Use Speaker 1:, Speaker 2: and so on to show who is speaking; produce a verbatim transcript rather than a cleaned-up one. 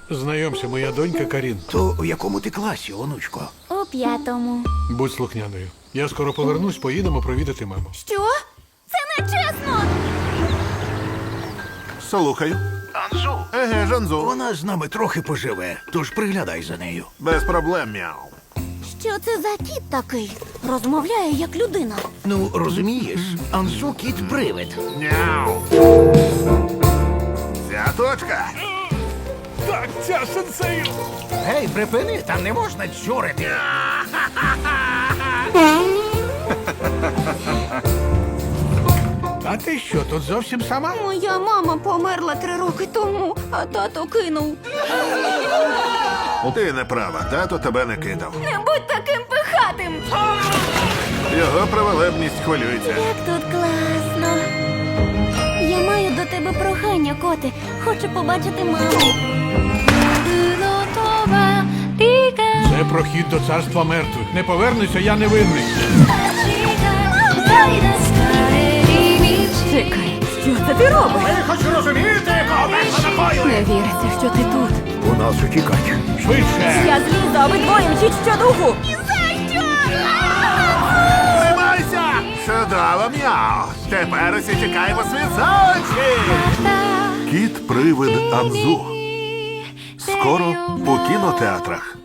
Speaker 1: Знайомся, моя донька Карін.
Speaker 2: То у якому ти класі, онучко?
Speaker 3: У п'ятому.
Speaker 1: Будь слухняною. Я скоро повернусь, поїдемо провідати маму.
Speaker 3: Що? Це не чесно!
Speaker 4: Слухаю.
Speaker 2: Анзу.
Speaker 4: Еге, Жанзу.
Speaker 2: Вона з нами трохи поживе, тож приглядай за нею.
Speaker 4: Без проблем, мяу.
Speaker 3: Що це за кіт такий? Розмовляє як людина.
Speaker 2: Ну, розумієш, Анзу кіт-привид.
Speaker 4: Няу. Ця точка.
Speaker 1: Так, ця сенсею!
Speaker 2: Гей, припини, там не можна чурити.
Speaker 1: А ти що, тут зовсім сама?
Speaker 3: Моя мама померла три роки тому, а тато кинув.
Speaker 4: Ти не права, тато тебе не кидав.
Speaker 3: Не будь таким пихатим!
Speaker 4: Його праволебність хвилюється.
Speaker 3: Як тут класно. Я маю до тебе прохання, коти. Хочу побачити маму.
Speaker 1: Це прохід до царства мертвих. Не повернуся, я не винний.
Speaker 5: Чекай, що це ти робиш?
Speaker 2: Я хочу розуміти, кого перша напою.
Speaker 5: Не віриться, що ти тут.
Speaker 2: У нас утікач.
Speaker 1: Швидше!
Speaker 5: Я злізу, обидвоє мчіть щодуху.
Speaker 4: Тримайся! Чудово, мяу. Тепер усі тікаємо світ за очі. Кіт-привид Анзу. Скоро у кінотеатрах.